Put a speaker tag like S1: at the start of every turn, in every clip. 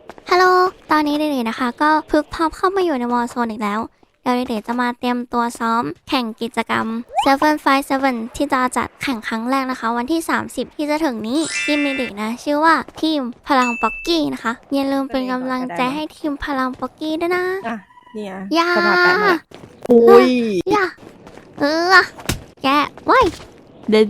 S1: ฮัลโหลตอนนี้เด็กๆนะคะก็พึกพอบเข้ามาอยู่ในวอลโซนอีกแล้วเดี๋ยวเด็กๆจะมาเตรียมตัวซ้อมแข่งกิจกรรม757ที่จะจัดแข่งครั้งแรกนะคะวันที่ 30 ที่จะถึงนี้ทีมเด็กๆนะชื่อว่าทีมพลังป๊อกกี้นะคะอย่าลืมเป็นกำลังใจให้ทีมพลังป๊อกกี้ด้วยนะ
S2: อ่ะเนี่ย
S1: อย่า
S2: สภาพแปดเนี่ยอุ้ย
S1: อย่าแกไว้เด็ด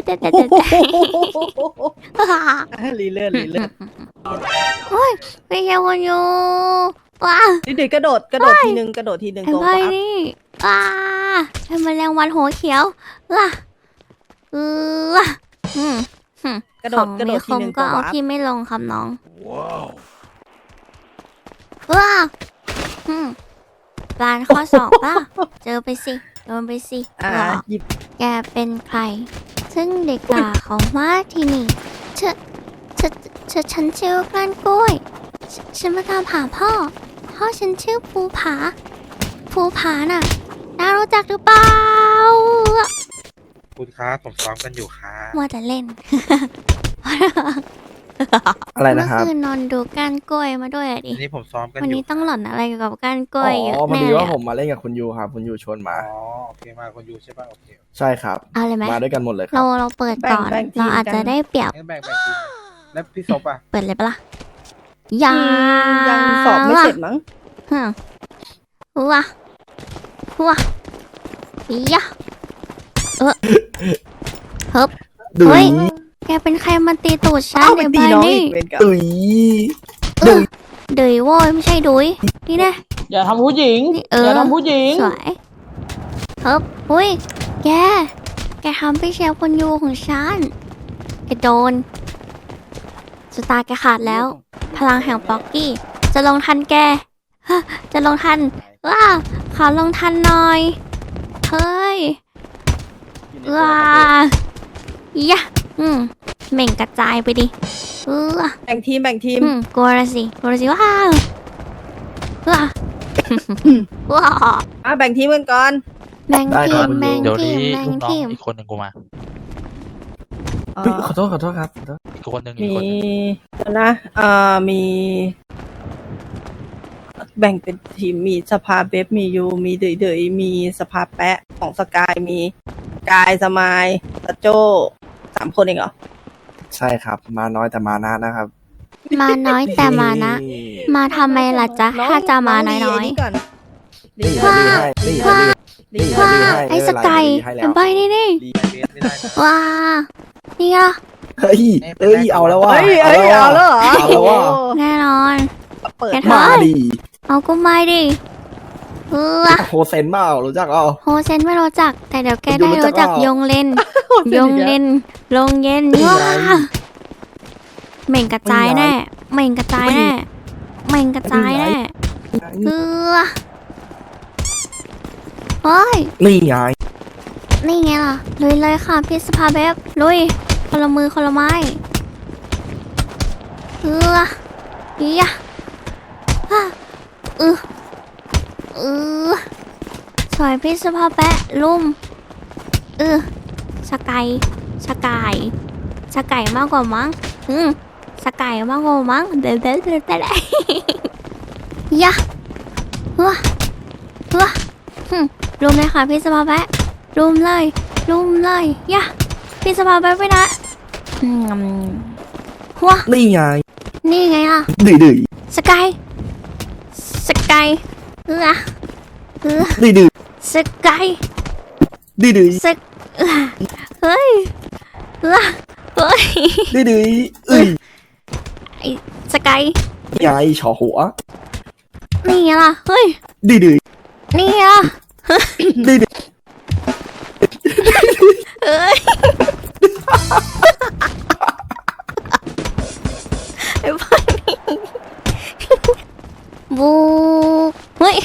S2: ลีเลื่อนลีเลื่อน
S1: โอ้ยไม่ใช่วันอยู่ว้า
S2: เด็กๆกระโดดทีนึงกระโดดทีนึง
S1: ไอ้
S2: ตัว
S1: ใบ
S2: ปั๊บ
S1: นี่เป็นแมลงวันหัวเขียวว้าอืม
S2: กระโดด
S1: ของ
S2: กระโด
S1: มี
S2: ด
S1: ค
S2: ที
S1: ม
S2: นึง
S1: ก็
S2: ตัว
S1: เอา
S2: ปั๊บ
S1: พี่ไม่ลงครับน้อง
S3: ว้าว
S1: ว้าปลานข้อสอบป่ะเจอไปสิโดนไปสิ
S2: หยิบ
S1: แกเป็นใคร ซึ่งเด็กด่าเขาว่าที่นี่ฉันชื่อกล้านกล้วยฉันมาตามหาพ่อฉันชื่อภูผาน่ะน่ารู้จักหรือเปล่า
S3: คุณครับผมซ้อมกันอยู่ครับ
S1: มัวแต่เล่น
S4: อะไรนะครับ
S1: เมื่อคืนนอนดูก้านกล้วยมาด้วยอะดิ
S3: อันนี้ผมซ้อมกัน
S1: วัน
S3: อยู่
S1: นี้ต้องหล่อนอะไรเกี่ยวกับก้านกล้วยเยอะ
S4: พอ
S1: แน่
S4: ดี
S1: เลย
S4: ว่าผ
S1: อะ
S4: มมาเล่นกับคุณยูครับ คุณยูชวนมา
S3: อ๋อโอเคมาคนอยู่ใช่ป่ะโอเค
S4: ใช่ครับ
S1: เอาเลยไหม
S4: มาด้วยกันหมดเลยค
S1: เรา
S4: รับ
S1: เราเปิดก่อนเราอาจจะได้เปรียบ
S3: งั้นแบ่งทีมแล้วพี่ซบอ่ะ
S1: เปิดเลยปะล่ะยัง
S2: ยังสอบไม่เสร็จมั้ง
S1: ฮึว้าย่าเฮ้บ
S4: ดุ
S1: เฮ้
S4: ย
S1: ย แกเป็นใครมาตีตูดฉัน
S2: เอาไป
S1: ใน
S2: ตี
S1: บ้าน
S2: น้อง
S1: นี่
S2: อีกเป็นกับ
S4: ดุย
S1: เดยโว้ยไม่ใช่ดุยนี่นะ
S5: อย่าทำผู้หญิง
S1: นี่
S5: อย่าทำผู้หญิง
S1: สวยเฮ้บอุ้ยแกทำพี่เชฟคนยูของฉันแกโดนสตาร์แกขาดแล้ว พลังแห่งป๊อกกี้ จะลงทันแกฮะจะลงทันว้าขอลงทันหน่อย เฮ้ยว้ายะเหม่งกระจายไปดิว้า
S2: แบ่งทีม
S1: กลัวละสิว้าวว้าว้า
S2: แบ่งทีมกันก่อน
S1: แบ่งทีมแบ่ง
S6: เดี๋ยว
S1: ที
S6: นี้
S1: มแบ่ง
S6: ลูกน้อ
S1: ที
S6: ง
S1: ม
S6: อีกคนหนึ่งกูมา
S2: เอ่
S4: เฮ้ย
S2: อ
S4: ขอโทษครับขอโทษ
S6: อีกคนหนึ่งอี
S2: มี
S6: กคนหนึ่ง
S2: เดี๋ยวนะมีแบ่งเป็นทีมมีสภาเบฟมียูมีเดยมีสภาแปะของสกายมีกายสมายตะโจ้3 คนเองเหรอ
S4: ใช่ครับ มาน้อยแต่มานะนะครับ
S1: มาน้อยแต่มานะ มาทำไมล่ะจ๊ะ ถ้าจะมาน้อย
S2: นี่ก่อน
S4: นี่
S2: ดี
S4: ให้
S2: ก่อน
S4: ดีให้
S1: ว้า
S4: นี่
S1: ๆว้า
S4: ให้
S1: ไอ้สกาย
S4: ให้แล้
S1: เป็น
S4: ว
S1: ใบนี่นี่
S3: ดีเบสไม่ได้นะ
S1: ว้านี่อ่ะ
S4: เฮ้ยเอาแล้วว่า
S2: เฮ้ยเอาแล้วเหรอ
S4: เอาแล้วว่า
S1: แน่นอน
S2: เปิด
S1: แก
S4: มาดิ
S1: เอาก็ไม่ดิ
S4: โฮเซนเปล่ารู้จักเปล่า
S1: โฮเซนไม่รู้จัก แต่เดี๋ยวแก
S4: ดู
S1: ได้
S4: รู้จัก
S1: รู้จัก
S4: เปล่าย
S1: งเลน ยงเลนลงเย็น
S4: นี่ไง
S1: ว้าเหม่งกระจายแน่เหม่งกระจายแน่เหม่งกระจายแน่เฮ้ย
S4: นี่ไง
S1: นี่ไงล่ะลุยเลยค่ะพี่สภาเบฟลุยคนละมือคนละไม้ยะสวยพี่สภาแปะลุ่มสกายมากกว่ามั้งสกายมากกว่ามั้งเด็ดยะรุมเลยค่ะพี่สภาแปะรุมเลยยะพี่สภาแปะไปนะ
S4: นี่ไง
S1: นี่ไงล่ะ
S4: ดื้อ
S1: สกาย
S4: ดื้อ
S1: สกาย
S4: ดื้อ
S1: เฮ้ยเฮ้ย
S4: ดื้อ
S1: ไอ้สกาย
S4: ไงฉอหัว
S1: นี่ไงล่ะเฮ้ย
S4: ดื้อ
S1: นี่ไงล่ะ
S4: ดื้อ
S1: เฮ้ยไอ้พวกนี้บูเฮ้ย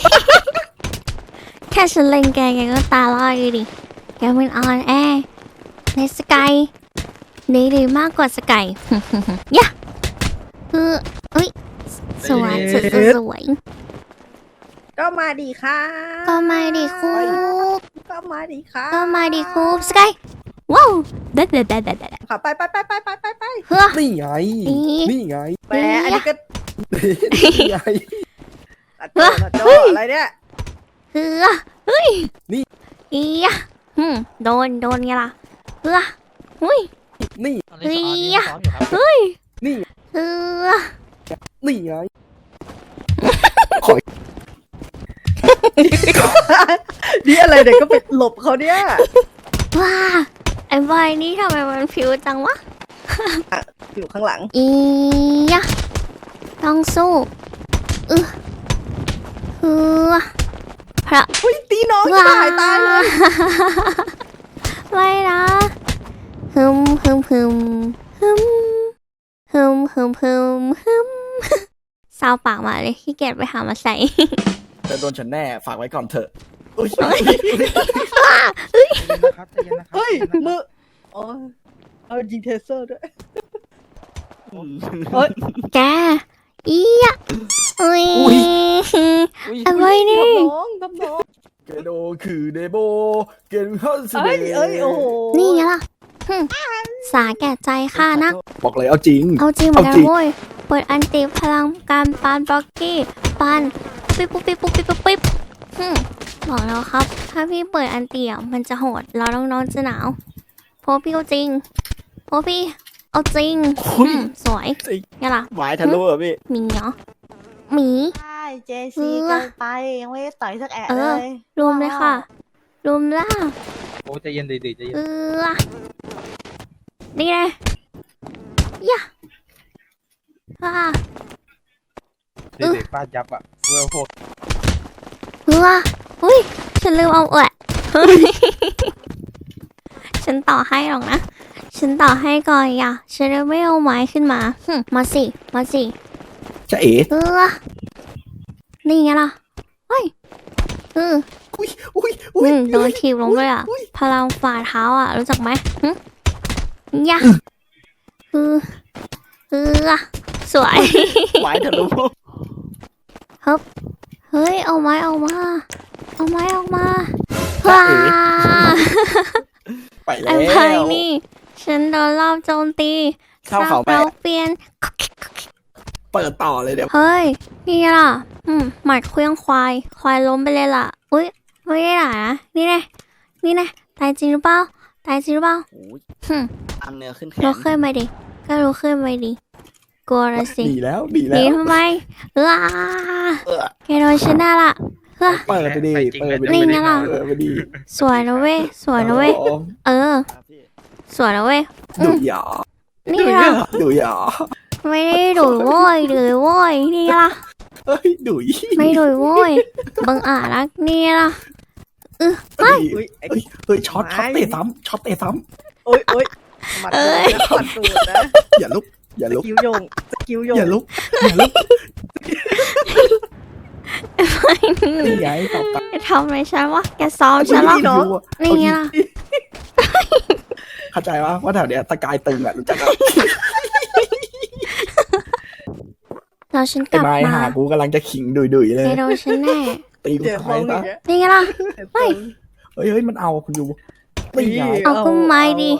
S1: แค่ฉันเล่นแกก็ตาลอยดิแกเป็นออนแอร์ในสกายดีมากกว่าสกายยะเฮ้ยสวยสวย
S2: ก็มาดีค่ะ
S1: ก็มาดิคูบ
S2: ก็มาดีค่ะ
S1: ก็มาดิคูบสกายว้าวเด็ด
S2: ค่ะไป
S1: เฮ้อ
S4: นี่ไง นี่ไง
S2: แหมอันนี้ก็
S4: นี่ไง
S2: ตาโจ้ตาโจ้อะไรเนี่ย
S1: เฮือเฮ้ย
S4: นี่
S1: อีอะโดนไงล่ะเฮือหุ้ย
S4: นี่
S1: เฮ้ยเฮ้ย
S4: นี่
S1: เฮือ
S4: นี่ไง
S2: นี่อะไรเด็กก็ไปหลบเขาเนี่ย
S1: ว้าไอ้บอยนี่ทำไมมันผิวจังวะ
S2: อยู่ข้างหลัง
S1: อีอะต้องสู้เฮือพระ
S2: อุ้ยตีน้องจะหายตายเลย
S1: ไม่นะฮึมฮึมฮึมฮึมฮึมฮึมฮึมฮึมซาวปากมาเลยขี้เกียจไปหามาใส่
S4: จะโดนฉันแน่ฝากไว้ก่อนเถอะอุ๊ย
S3: ใจเย็นนะครับใจเย็นนะครับ
S2: เฮ้ย
S3: ใจนนะครับ
S2: มืออ๋อเอายิงเทเซอร์ด้วยเฮ้ย
S1: แกอีอะอุ้ยอะไรนี่
S2: ทำน้อง
S4: เกโดคือเดโบเกนฮัส
S2: เอ้ยเอ้ยโอ้โห
S1: นี่ไงล่ะหึสาแก่ใจข้านะ
S4: บอกเลยเอาจริง
S1: เอาจริงเหมือนกั
S4: เอา
S1: น
S4: จริง
S1: โว้ยเปิดอันติพลังการปานบล็อกกี้ปานปิ๊บปุ๊บปิ๊บปุ๊บปิ๊บปุ๊บปิ๊บบอกแล้วครับ ถ้าพี่เปิดอันติอ่ะมันจะโหดเราน้องๆจะหนาวเพราะพี่เอาจริงเพราะพี่เอาจริงสวย
S4: จริง
S1: ไงล่ะ
S4: หมายทะลุเหรอพี่
S1: หมีเหรอหมี
S5: ใช่เจซีเกินไปยังไม่ได้ต่อยสักแอะ
S1: เอ
S5: เล
S1: อย รวมเลยค่ะ รวมล่า
S3: โอ้ใจเย็นดีๆใจเย็น
S1: นี่ไงย่าว้า
S3: เด็กๆฟาดยับอ่ะเวลโหด
S1: อุ้ยฉันลืมเอาฉันต่อให้หรอกนะ ฉันต่อให้ก่อนอย่าฉันเลยไม่เอาไม้ขึ้นมามาสิ มาสิ
S4: จะเอ๋
S1: นี่ไงล่ะเฮ้ย
S4: อุ้ยอุ้ย
S1: โดนทีบลงด้วยอ่ะ พลังฝ่าเท้าอ่ะ รู้จักไหมย่าสวย
S4: หมายทะลุ
S1: เฮ้ย เอาไม้ออกมา เอาไม้ออกมาว้า
S4: ไปแล้
S1: ไอ้
S4: ว
S1: ไพ่นี่ ฉันโดนรอบโจมตี
S4: เข้าเขาไป
S1: เราเปลี่ยน
S4: เปิดต่อเลยเดี๋ยว
S1: เฮ้ย นี่ไงล่ะ หมัดเครื่องควาย ควายล้มไปเลยล่ะ อุ้ย ไม่ได้ด่านะ นี่ไงนี่ไงตายจริงหรือเปล่า ตายจริงหรือเปล่า
S4: โอ้ย
S1: หึ
S4: ตามเนื้อขึ้นแข
S1: ลุก
S4: น
S1: ขึ้นมาดิ ก็ลุกขึ้นมาดิ กลัวละสิ
S4: ดีแล้วดี
S1: ห
S4: แล้
S1: นี
S4: ว
S1: ทำไมว้า
S4: เออ
S1: แกโดนชนะละเฮ้ย
S4: เปิดไปดิเปิดไป
S1: นี่
S4: ดิ
S1: ไงล่ะ
S4: เปิดไปดิ
S1: สวยนะเว้ย สวยนะเว้ย เออ สวยนะเว้ย
S4: ดูหยา
S1: นี่ล่ะ
S4: ดูหยา
S1: ไม่ได้ดุยโว้ยดุยโว้ย นี่ล่ะ
S4: เฮ้ยดุย
S1: ไม่ดุยโว้ย บังอาจรักนี่ล่ะ
S4: เฮ้ย
S2: อุ้ยไอ้
S4: เฮ้ยช็อตเตะซ้ำช็อตเตะซ้
S2: โอ้ยโอ้ยหมัดตูดนะหมัดตูดนะ
S4: ำอย่าลุกอย่า
S2: ส
S4: ลุก
S2: กิลโยงสกิลโยง
S4: อย่าลุกอย่าลุกนี่ไงตบตา
S1: แกทำอะไรฉันวะ แกซ้อมฉันเหรอ
S2: น้อง
S1: นี่ไงล่ะ
S4: เข้าใจว่าแถวเนี้ยตะกายตึงอ่ะรู้จักอ่ะ
S1: เราฉันก
S4: ไอ้
S1: ลับ
S4: ไม้
S1: มา
S4: หากูกำลังจะขิงดุยๆเลย
S1: แกโดนฉันแน่
S4: ตีกู
S2: เดี๋ยว
S4: ตาย
S2: มองอ
S4: ซะ
S2: ย่างเงี้ย
S1: นี่ไงล่ะ
S4: เฮ้ยมันเอาคุณดูตีไง
S1: เอาก็ไม้ดิ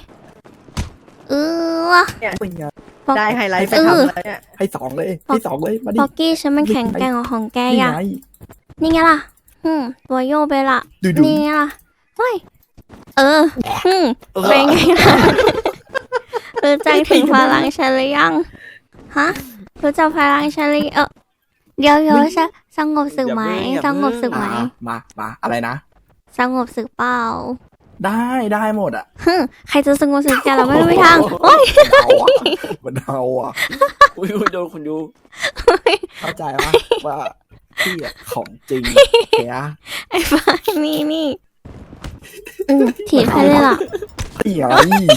S4: ตีไง
S2: ได้ไฮไลท์ไปทำแล้วเนี่ย
S4: ให้สองเลยให้สองเลยมาดิ
S1: ป๊อกกี้ฉันมันแข็งแกร่งกว่าของแก
S4: นี่
S1: อ่ะ
S4: ไง
S1: นี่ไงล่ะตัวโยไปละ
S4: ดุย
S1: นี่ไงล่ะเฮ้ยเป็นไง ล่ะรู้จักถึงพลังฉันหรือยัง ฮะ รู้จักพลังฉันหรือเดี๋ยวสงบศึกไหมสงบศึกไหม
S4: มาอะไรนะ
S1: สงบศึกเปล่า
S4: ได้หมดอ่ะ
S1: ใครจะสงบศึกแกเราไม่มีทางโอ้ย
S4: มันเอาอ่ะอุ้ยโดนคุณดูเข้าใจว่าพี่อ่ะของจริงแก
S1: ไอ้บ้านี่ถีบให้เลยล่ะ
S4: พี่ไง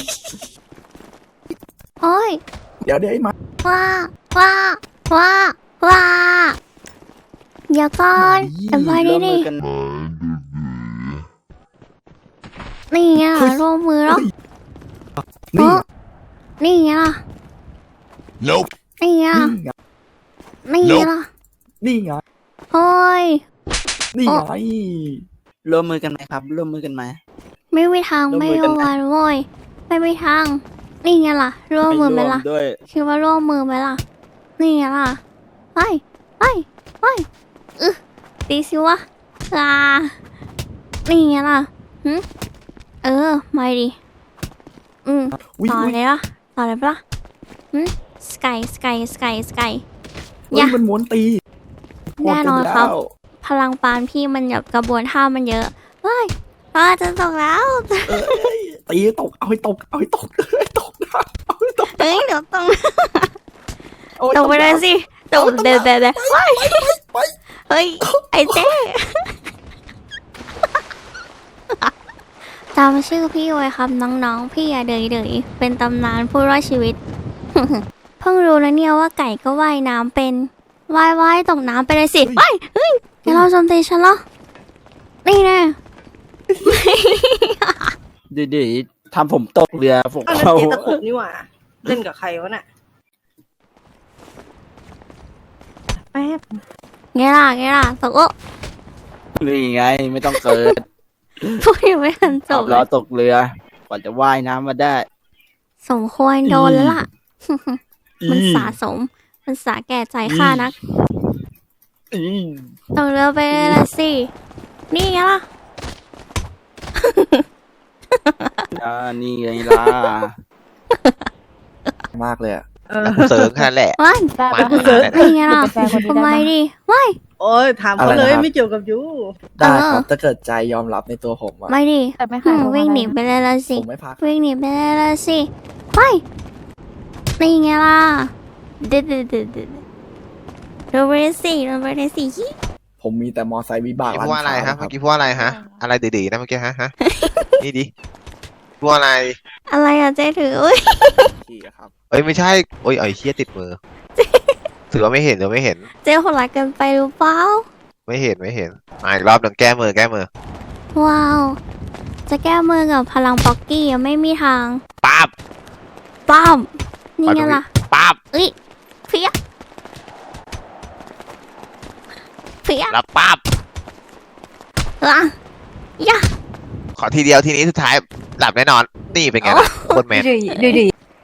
S1: โอ้ย
S4: เดี๋ยวไอ้มา
S1: ว้าเดี๋ยวก่อนไอ้บอยนี่นี่ไงล่ะร่วมมือแล้ว
S4: นี่
S1: นี่ไงล่ะ
S4: Nope
S1: นี่ไงล่ะนี่ไงล่ะ
S4: นี่ไง
S1: โอ้ย
S4: นี่ไง
S6: ร่วมมือกันไหมครับ ร่วมมือกันไหม
S1: ไม่มีทาง
S6: ร่วม
S1: ไม่
S6: มือกัน
S1: ร่วม
S6: นะ
S1: วันโว้ยไม่มีทางนี่ไงล่ะร่วมมือไหมล่ะ
S6: ด้วย
S1: คิดว่าร่วมมือไหมล่ะนี่ไงล่ะไปไปไปตีสิวะนี่ไงล่ะมาดิ
S4: อุ๊ย
S1: ต่อ
S4: อุ๊ย
S1: เลยล่ะต่อเลยปะล่ะสกาย
S4: เฮ้ยมันม้วนตี
S1: แน่นอนครับ
S4: หมดไปแล้ว
S1: พลังปานพี่มันแบบกระบวนท่ามันเยอะเฮ้ยจะตกแล้ว
S4: ตีให้ตกเอาให้ตกเอาให้ตกเอาให้ตกนะเอาให้ตก
S1: เฮ้ยเดี๋ยวตก
S4: เอาให้
S1: ตกไปเลยสิตกเบเบเบ
S4: ไป
S1: เฮ้ยไอ้เจ๊จำชื่อพี่ไว้ครับน้องๆพี่อย่าเดยเป็นตำนานผู้รอดชีวิต เพิ่งรู้นะเนี่ยว่าไก่ก็ว่ายน้ำเป็นว่ายตกน้ำไปเลยสิเฮ้ยอย่าเราโจมตีฉันเหรอนี่แน่
S6: เดี๋ยวทำผมตกเรือผม
S2: อันนั้น
S6: เข้า
S2: เจตะขบนี่หว่า เล่นกับใครวะน่ะแป๊บ
S1: ไงล่ะตกโอ้
S6: นี่ไงไม่ต้องเกิด
S1: พูดยังไม่ทันจ
S6: ขั
S1: บบ เล
S6: ล้อย ตกเรือกว่าจะว่ายน้ำมาได้
S1: สมควรโดนแล้วล่ะ มันสะสม มันสาแก่ใจข้านัก
S6: อืม
S1: ตกเรือไปเลยละสิ นี่ไงล่ะ
S6: นี่ไงล่ะ
S4: มากเลยอะ
S7: เสริงแค่นั้นแหละ
S1: ว้าย
S7: มา
S5: ได้
S7: ขนาดนั้น
S1: นี่ไงล่ะ
S5: เป็นแฟนคนนี้
S1: ทำไม
S5: ได้ปะ
S1: ดิว้าย
S2: โอ้ยถามเขาเลยไม่เกี่ยวกับยู
S4: ได้ค
S1: เอ
S4: รั
S1: อ
S4: บถ้าเกิดใจยอมรับในตัวผมอะ
S1: ไม่ดิ
S5: แต่ไม่เคย
S1: วิ่งหนีไปเลยละสิ
S4: ผมไม่พัก
S1: วิ่งหนีไปเลยละสิว้ายนี่ไงล่ะเด็ดลงไปเลยสิ
S4: ผมมีแต่มอไซค์วิบาก
S7: เมื่อกี้พูดว่าอะไรฮะ เมื่อกี้พูดว่าอะไรฮะ อะไรดื้อๆนะเมื่อกี้ฮะ นี่ดิพูดว่าอะไร
S1: อะไรอะเจ๊ถืออุ้ย
S4: ขี่อะครับ
S7: เอ้ยไม่ใช่โอ้ยไอ้เชี่ยติดมือถือว่าไม่เห็น
S1: เจ๊โหดร้ายเกินไปหรือเปล่า
S7: ไม่เห็นมาอีกรอบหนึ่งแก้มือ
S1: ว้าว จะแก้มือกับพลังป๊อกกี้ยังไม่มีทาง
S7: ปั๊บ
S1: ป้อมนี่ไงล่ะ
S7: ปั๊บ
S1: เอ้ยเพี้ย
S7: แล้วปั๊บ
S1: ล่ะยะ
S7: ขอทีเดียวทีนี้สุดท้ายหลับแน่นอน นี่เป็นไงล่ะโคตรแมน
S5: ดี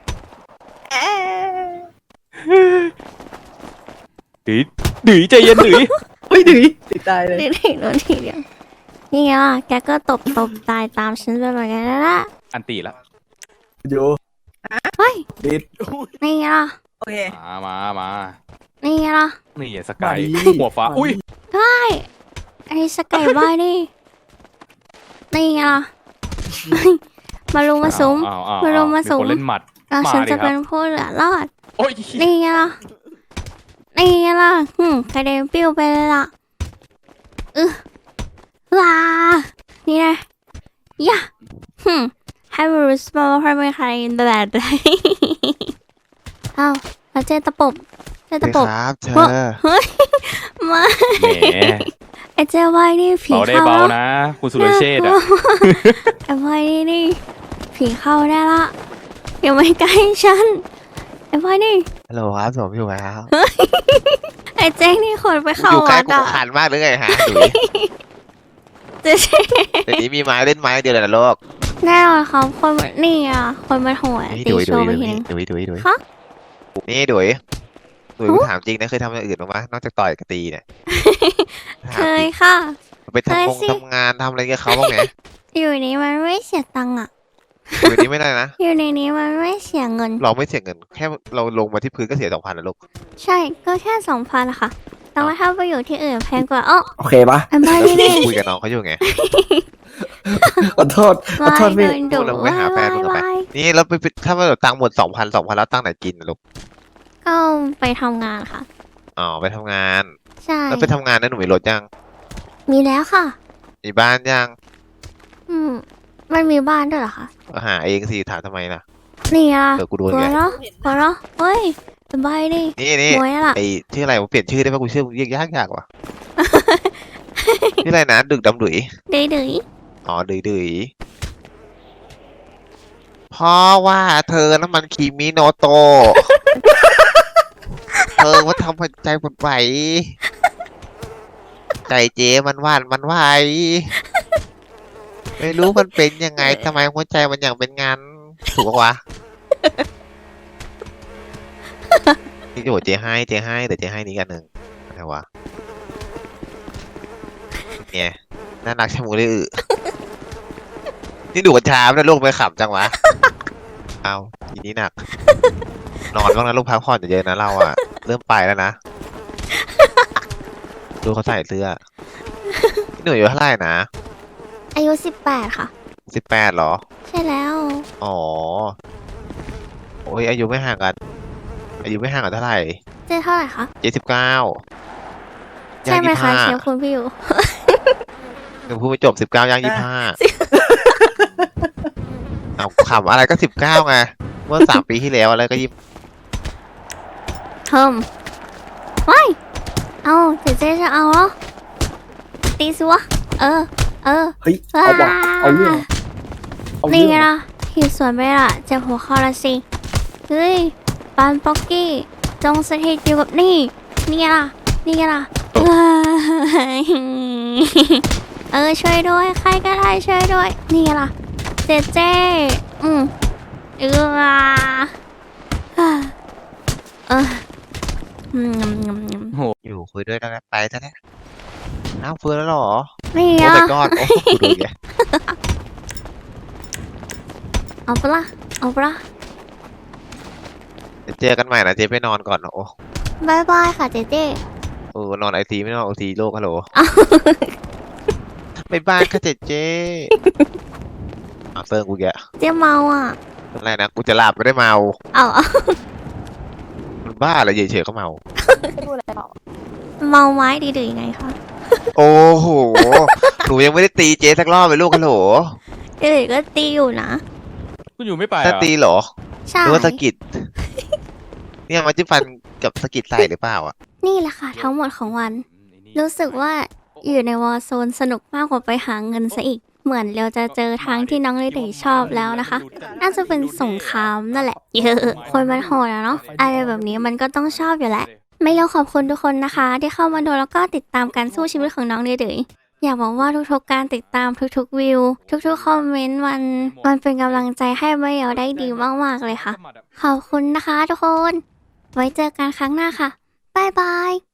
S3: ดื้อใจเย็นดื้อ
S2: เฮ้ยดื้อติดตายเลย
S1: ทีเดียวทีเดียวนี่ไงล่ะ แกก็ตบตายตามฉันไปเหมือนกันแล้วล่ะ
S3: อันตีละ
S4: โย
S1: เฮ้ย
S4: ดิด
S1: นี่ไงล่ะ
S2: โอเค
S3: มา
S1: นี่ไงล่ะ
S3: นี่สกาย
S4: มาดิ
S3: หัวฟ้า อุ้ย
S1: ไอ้สกายบายนี่นี่ไงล่ะ มาลุมมาซุ้ม
S3: อ้าว
S1: มาลงมาสูง
S3: คนเล่นหมัด
S1: แล้ว
S3: มา
S1: ฉัน
S3: ดิ
S1: จะ
S3: ครับ
S1: เป็นผู้เหลือรอด
S3: โอ้ย
S1: นี่ไงล่ะกระเด็นปิ้วไปเลยล่ะว้านี่นะยะให้มันรู้สึกว่าไม่ใครแบบไหนเอ้าแล้วเจตะปบ
S7: ครับเธอ
S1: มา
S3: แหม
S1: ไอ้เจ้าว่ายนี่ผี
S3: เบาได้
S1: เข้า
S3: เบา
S1: แล้ว
S3: นะ คุณสุรเชษฐ์อะ
S1: ไอ้ว่ายนี่ผีเข้าได้ละอย่ามาใกล้ฉันไอ้ว่ายนี่
S7: ฮัลโหลครับผมอยู่ไหมครับ
S1: ไอ้เจ๊งนี่คนไปเข้า
S7: อยู่ใกล้
S1: วัด
S7: กู
S1: อ่ะ
S7: ขันมากหรือไงฮะดุย
S1: เจ๊
S7: เดี๋ยวนี้มีไม้เล่นไม้เดียวเลยนะโลก
S1: แน่นอนครับคนมันนี่อ่ะคนมันโหด
S7: นี่
S1: ตี
S7: ดุย
S1: โชว์ไปทีนึง
S7: ดุย
S1: ฮะ
S7: นี่ดุยกูถามจริงนะเคยทำอย่างอื่นบ้างไหมนอกจากต่อยกับตีเนี่ย
S1: เคยค่ะ
S7: ไป
S1: เคยสิ
S7: ทำงานทำอะไรกับเขาบ้างไหม
S1: อยู่นี้มันไม่เสียตังค์อ่ะ
S7: อยู่นี้ไม่ได้นะ
S1: อยู่ในนี้มันไม่เสียเงิน
S7: เราไม่เสียเงิน แค่เราลงมาที่พื้นก็เสีย2,000นะลูก
S1: ใช่ก็แค่2,000นะคะ แต่ว่าถ้าไปอยู่ที่อื่นแพงกว่าอ้อ
S4: โอเคปะ
S1: ไอ้บ้านี่นี่
S7: คุยกับน้องเขาอยู่ไง
S4: ขอโทษพี่
S1: โดนดุ
S7: เราไปหาแฟนมึงกันไป นี่เราไปถ้าว่าตังค์หมด2,000แล้วตั้งไหนกินนะลูก
S1: ก็ไปทำงานค่ะ
S7: อ๋อไปทำงาน
S1: ใช่
S7: แล้วไปทำงานนั้นหนูมีรถยัง
S1: มีแล้วค่ะ
S7: มีบ้านยัง
S1: มันมีบ้านด้วยเหรอคะ
S7: ก็หาเองสิถามทำไมล่ะ
S1: นี่อ่ะ
S7: เดี๋ยวกูโดน
S1: หัว
S7: ไง
S1: เราะหัวเราะเฮ้ยสบายดิ
S7: นี่
S1: หัวล่ะ
S7: ไอชื่ออะไรวะเปลี่ยนชื่อได้ปะกูชื่อมึงเรียกยากว่ะ ชื่ออะไรนะดึกดำดุย
S1: ดื้อดื้อ
S7: อ๋อดุยเพราะว่าเธอน้ำมันคีมิโนโตะ เธอว่าทำให้ใจปวดไหวใจเจมันหวานมันไหวไม่รู้มันเป็นยังไงทำไมหัวใจมันอย่างเป็นงานถูกปะวะนี่โอ้เจให้แต่เจให้นี้กันหนึ่งอะไรวะเนี่ยน่ารักชะมูเลยนี่ดูกัญชาแล้วลูกไปขับจังวะเอาทีนี้หนัก นอนบ้างนะลูกพักผ่อนเยอะๆนะเราอะเริ่มไปแล้วนะ ดูเขาใส่เสื้อพี่หนุ่ยอายุเท่าไหร่นะ
S1: อายุ 18 ค่ะ
S7: 18เหรอ
S1: ใช่แล้ว
S7: อ๋อ โอ้ยอายุไม่ห่างกัน อายุไม่ห่างกันเท่าไหร่
S1: เจ๊เท่าไหร่คะ
S7: 79
S1: ใช่ไหมคะเชฟคุณพี่อยู่
S7: หนูพูดไม่จบ19ย่าง25เอาขำอะไรก็19ไง เมื่อ3 ปีที่แล้วอะไรก็20
S1: เพิ่มว้ายเอาเจ๊จะเอาเหรอ ตีสิวะ เออ
S4: เฮ้ย เอาว่ะเอาเรื่องเอา
S1: นี่
S4: เรื่อง
S1: ไงล่ะหิวสวนไปละเจ็บหัวเข่าละสิ เฮ้ยปานป๊อกกี้ จงสถิตอยู่กับนี่ นี่ไงล่ะ นี่ไงล่ะ ช่วยด้วย ใครก็ได้ช่วยด้วย นี่ไงล่ะ เจ๊ อืมเออเอออืม
S7: อยู่คุยด้วยแล้วนะไปซะแล้วอ้าวฟื้นแล้วเหรอ
S1: นี่
S7: โอ้
S1: อ่ะ
S7: my god โอ้โหดูแก
S1: เอาปะล่ะ เอาปะล่ะ
S7: เดี๋ยวเจอกันใหม่นะเจ๊ไปนอนก่อนโอ้
S1: บายบายค่ะเจ๊
S7: โอ้นอนไอซีไม่นอนโอซีโลกฮัลโหลบ๊ายบายค่ะเจ๊เซิร์งกูแก
S1: เจ๊เมาอ่ะ
S7: อะไรนะกูจะหลับไม่ได้เมา
S1: เอา
S7: มันบ้าอะไรเฉยๆก็เมา
S1: เมาไม้ดีหรือยังไงคะ
S7: โอ้โห หนูยังไม่ได้ตีเจ๊สักรอบเลยลูกฮัลโหล
S1: เจ๊ก็ตีอยู่นะ
S3: คุณอยู่ไม่ไป
S7: ถ้า
S3: เหรอ
S7: ตีเหรอ
S1: ใช่
S7: หรือว่าสะกิด เนี่ยมันจะฟันกับสะกิดใส่หรือเปล่าอ่ะ
S1: นี่แหละค่ะ ทั้งหมดของวัน รู้สึกว่าอยู่ในวอร์โซนสนุกมากกว่าไปหาเงินซะอีก เหมือนเราจะเจอทางที่น้องลิลี่ชอบแล้วนะคะ น่าจะเป็นสงครามนั่นแหละ เยอะ คนมันโหดอะเนาะ อะไรแบบนี้มันก็ต้องชอบอยู่แหละ ไม่รู้ขอบคุณทุกคนนะคะ ที่เข้ามาดูแล้วก็ติดตามการสู้ชีวิตของน้องลิลี่อยากบอกว่าทุกๆการติดตามทุกๆวิว ทุกๆคอมเมนต์มันเป็นกำลังใจให้ไม่เอาได้ดีมากๆเลยค่ะ ขอบคุณนะคะทุกคน ไว้เจอกันครั้งหน้าค่ะ บ๊ายบาย